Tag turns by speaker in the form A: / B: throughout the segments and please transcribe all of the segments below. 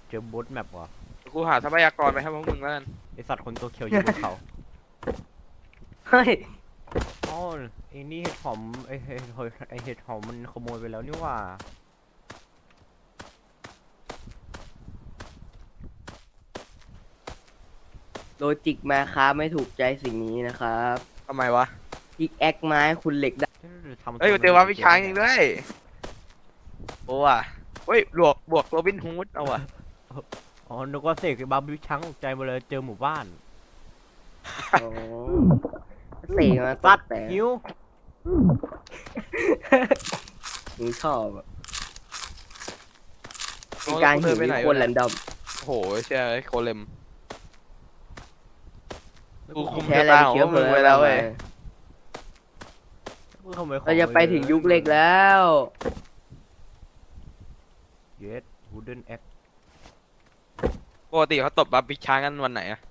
A: เจอบูทแมปวะ
B: กูหาทรัพยากรไปให้พวกมึงแล้วกัน
A: ไอสัตว์คนตัวเขียวอยู่บนเขา
C: เฮ้ย
A: อ๋อไอ้นี่เห็ดหอมไอเห็ดหอมมันขโมยไปแล้วนี่หว่า
C: โลจิกมาครับไม่ถูกใจสิ่งนี้นะครับ
B: ทำไมวะ
C: พิกแอคไม้คุณเหล็กได้
B: เฮ้ยกูเจอว่าพี่ช้างจริงด้วยโอ้ว่ะเฮ้ยบวกโรบินฮูดเอาว่ะ
A: อ๋อนึกว่าเสกบาร์บี้ช้างตกใจมาเลยเจอหมู่บ้าน
C: โอ้เสกมา
A: ตัด
C: แต่
A: หิว
C: มึงชอบอะมีการหิวคนแรนดอม
B: โอ้โหเชื่อโคเลม กูคุม
C: แค่อะไรเชื้อเพลิง
B: ไว้แล้วเว้ย
C: เราจะไปถึงยุคเหล็กแล้ว
A: เยสวูดเดนแอค
B: ปกติเขาตบบัฟพี่ช้างกันวันไหนอะ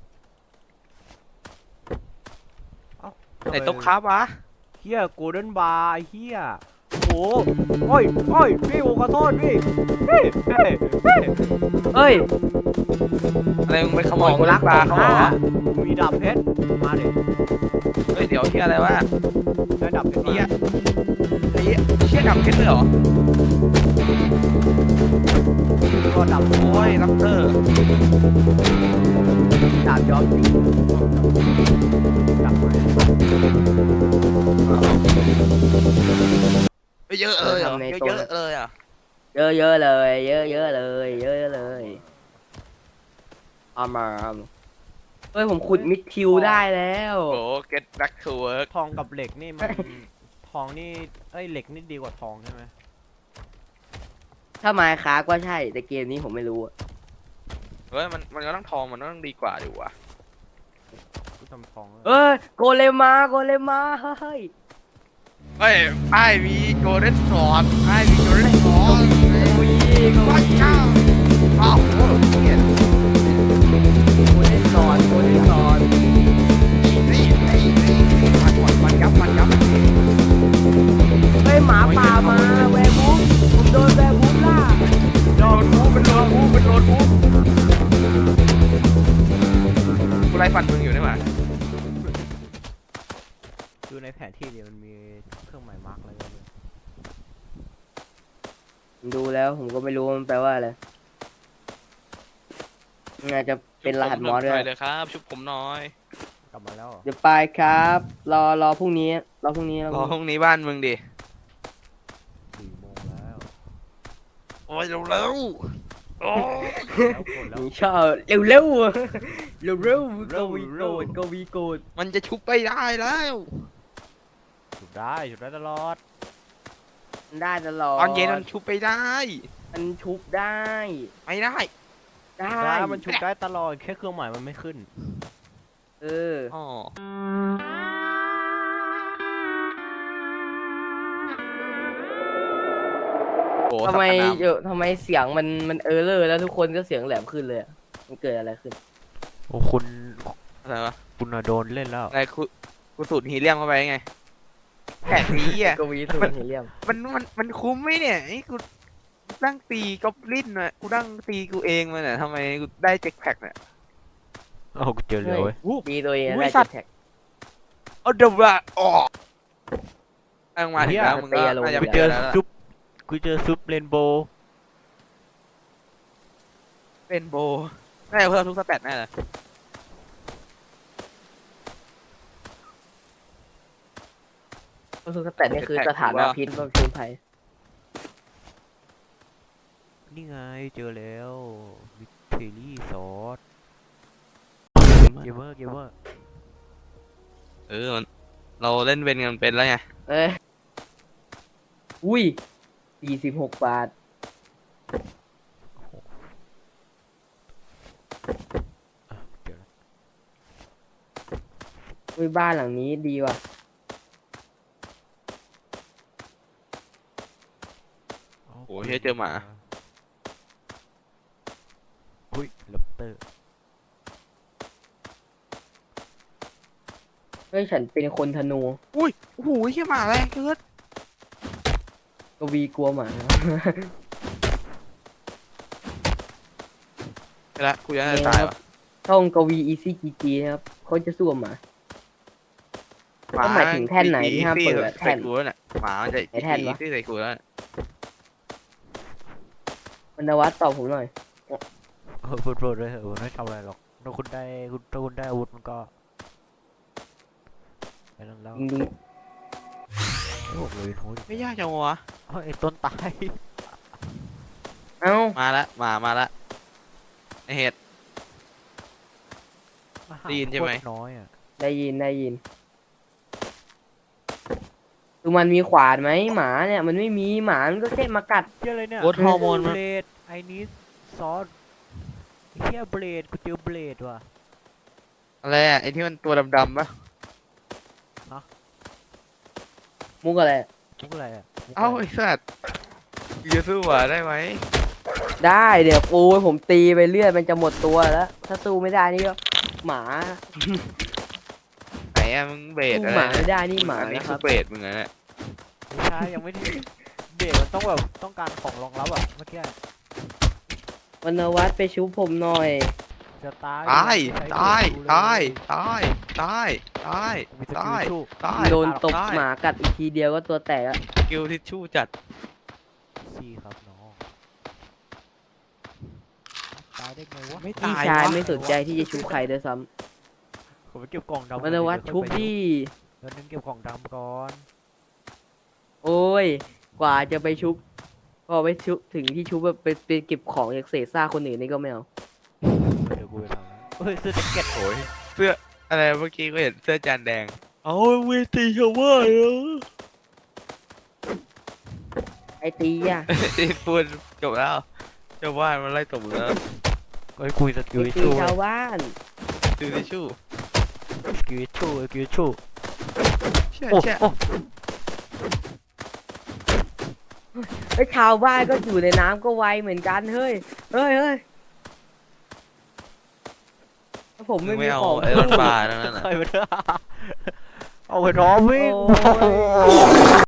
B: ไหนตบครับวะ
A: เฮียโกลเด้นบาร์เฮียโอ้โอ้ยพี่ผมขอโทษพี่
C: เฮ้ย
B: อะไรมึงไปขโมยคนรักปลาเขาเหรอ
A: มีดาบเพชรมาดิ
B: เฮ้ยเดี๋ยวที่อะไรวะ
A: ได้ดาบเพชร
B: เนี่ยไอ้เชี่ยดับเพชรเลยเหรอ
A: ก็ดาบ
B: โอ้ยลับเตอร์
C: ดาบย้อมสี
A: ดาบเลย
B: เยอะเลยเหรอเยอะเลยอ่ะ
C: เยอะๆเลย เยอะๆเลย เยอะๆเลยเอามาเฮ้ยผมขุดมิดทิวได้แล้ว
B: โอ้ get back to work
A: ทองกับเหล็กนี่มันทองนี่เหล็กนี่ดีกว่าทองใช่ไหม
C: ถ้าไม้ค้าก็ใช่ แต่เกมนี้ผมไม่รู้อะ
B: เฮ้ยมันก็ต้องทองมันต้องดีกว่าดิวะ
A: กูทำทอง
C: เอ้ยโกเลมาเฮ้ย
B: เฮ้ยไอ้มีโกลเด้นสอดไอ้มีโกลเด้นสอด
C: ก็มี
B: อ้าวโอ้โหเนี่ย
C: โกเลนสอน
B: นี่มันยับ
C: เฮ้ยหมาป่ามาแวร์บูฟผมโดนแวร์บูฟล่า
B: โดนบูเป็นโดนบูกูไล่ฟันมึงอยู่นี่หว่า
A: ดูในแผนที่เนี่ยมันมีเครื่องหมายมาร์กอะไรบ้างเลย
C: ดูแล้วผมก็ไม่รู้ว่ามันแปลว่าอะไรน่าจะเป็นรหัสมอสด้วย
B: เลยครับชุบผมน้อย
A: กลับมาแล้วเหรอ
C: เดี๋ยวไปครับ รอพรุ่งนี้รอพรุ่งนี้
B: รอห้องนี้บ้านมึงดิ
A: 4 โมงแล้ว
B: โอ้ยเร็วโอ้
A: แล้วกดแล้ว
C: นี่ชอบเร็วเร็วกวีโกด
B: มันจะชุบไปได้แล้ว
A: จุดได้ตลอด
C: ได้ตลอด
B: ตอนเย็นมันชุบไปได้
C: มันชุบได้
B: ไม่ได้
C: ได้
A: มันชุบได้ตลอดแค่เครื่องหมายมันไม่ขึ้น
C: เออ
B: อ๋อ โอ้
C: ทำไม
B: สัปดาห์
C: ทำไมเสียงมันเออเลอร์แล้วทุกคนก็เสียงแหลมขึ้นเลยอะมันเกิดอะไรขึ้น
A: โอ้คุณ
B: อะไรวะ
A: คุณโดนเล่นแล้ว
B: อะไรกูสูดฮีเลียมเข้าไปไงแผนนี้อ่ะ
C: กวีสูตรเฮเลียม
B: มันคุ้มไหมเนี่ยไอ้กูนั่งตีกอบลินน่ะกูนั่งตีกูเองมาเนี่ยทำไมกูได้เจ็คแพ็กเนี่ย
A: โอ้กูเจอเลยเว้ย
C: ดีตัวเอง
B: อุ้ย
C: ได้
B: สัตว์
C: แท็ก
B: เอาเดี๋ยวละอ๋อตั้งมาถึงแล้วมึงก็
C: เตี้ยลง
B: น่าจะ
A: กู
B: ไป
A: เจ
B: เจ
A: อ
B: อแล้วล่ะ
A: ซุปกูเจอซุปเรนโบว์
B: เป็นโบน่าจะเพิ่มทุกสเตตแน่เลย
C: ก็คือแต่นี่คือสถานะพิษว่าพิษภัย
A: นี่ไงเจอแล้ววิเทอรี่ซอสเกมเมอร์
B: เราเล่นเวนกันเป็นแล้วไง
C: เอ้ยอุ้ย46 บาทอุ้ยบ้านหลังนี้ดีว่ะ
B: โอ้ยเจอหมา
A: อุ้ยลับเตอร์
C: เฮ้ยฉันเป็นคนธนู
B: อุ้ยโอ้โหเฮียหมาแรงเกิน
C: กวีกลัวหมา
B: ไปละกูยังจะ
C: นี่
B: ตาย
C: ครับ
B: ว่ะ
C: ช่องกวีอีซี่จีจีนะครับเขาจะสู้กับหมา ก็หมายถึงแท่นไหนที่ห้ามเปิดอะแท่
B: ใส่
C: น
B: กูแล้วเนี่ยหมามันจะ
C: ไหนแท่นวะ
B: ที่ใส่กูแล้วเนี่ย
C: วรรณวัฒน์ตอบผมหน่อย
A: พูดเลยเหอะมันไม่ทำอะไรหรอกถ้าคุณได้อาวุธมันก็ไปนั่นแล้ว
C: จริง
A: ไม่บอกเลยโห
B: ไม่ยากจังวะ
A: ไอ้ต้นตาย
C: ๆเอ้า
B: มาละมาละไอเห็ด ได้ยินใช่ไหม
A: โคตรน้อยอ่ะ
C: ได้ยินดูมันมีขวานไหมหมาเนี่ยมันไม่มีหมามันก็แค่มากัด
A: เหี้ยอะไรเนี่ย
B: โคตรฮอร์โมน
A: เบ
B: มัน
A: ลดไอ้นี้ซอสเฮียเบลดกูเจอเบลดว่ะ
B: อะไรอ่ะไอที่มันตัวดำๆปะ
C: มุกอะไร
A: มุกอะไรอ่ะมุกะไร
B: เอ้าไอสัตว์จะสู้หมาได้ไหม
C: ได้เดี๋ยวปูผมตีไปเรื่อยมันจะหมดตัวแล้ว ถ้าสู้ไม่ได้นี่ก็หมา
B: ไหนอะมึงเบส
C: สู้
B: อะไร
C: หมาไม่ได้นี่หมา
B: อันนี้
C: นะค
B: คื
C: รั
B: อบ เบสมึงอะเนี่ย
A: ไม่ใช่ยังไม่ได้เบลดมันต้องแบบต้องการของรองรับอ่ะเมื่อกี้
C: วรรณวัฒน์ไปชุบผมหน่อย
A: จะตาย
B: ตาย
A: ใช้
B: ตาย
A: เบลด
B: ตายตายตายตาย
A: มีสกิ
B: ตา
A: ล
B: ย
A: ชู้
B: ตาย
C: โดนตบ
B: ตาย
C: หมากัดอีกทีเดียวก็ตัวแตกอะ
B: กิลทิชชู่จัด
A: ซี่ครับน้องตายได้ไงวะ
B: ไม่
C: พี่
B: ตาย
C: ชายว
B: ะ
C: ไม่สนใจที่จะชุบใครด้วยซ้
A: ผมไปเก็บกล่องดำ
C: ำวรรณวัฒน์ชุบดิ
A: เดี๋ยวนึงเก็บกล่องดำก่อน
C: โอ้ย กว่าจะไปชุบ พอไปชุบถึงที่ชุบแบบไปเก็บของจากเศษซากคนอื่นนี่ก็ไม่เอา
A: เดี๋ยวกูไปทำแล้วเฮ้ยเสื้อแจ็คเก็ต
B: โอ้ยเสื้ออะไรเมื่อกี้ก็เห็นเสื้อจานแดงเอาเวทีชาวบ้านเหรอ
C: ไอตีอะ
B: ที่พูดจบแล้วชาวบ้านมันไล่ตบมึงแล้ว
A: เฮ้ยคุยสกิล
C: ไอตี
A: ชู้
C: ชาวบ้าน
B: ดูทิชชู่
A: สกิลชู้สกิลชู้
B: เชี่ย
A: โอ้
B: เชี่ย
A: โอ้
C: ไอยชาวบ้านก็อยู่ในน้ำก็ไวเหมือนกันเฮ้ย เฮ้ยถ้าผม
B: มึ
C: ไม่
B: ง
C: มี
B: ไม่เอา
C: ของ
B: ไอ้รถบ้านั่นน่ะ
A: ใครมาเถอะเอาไปท้อวิ่ง
C: โอ้ย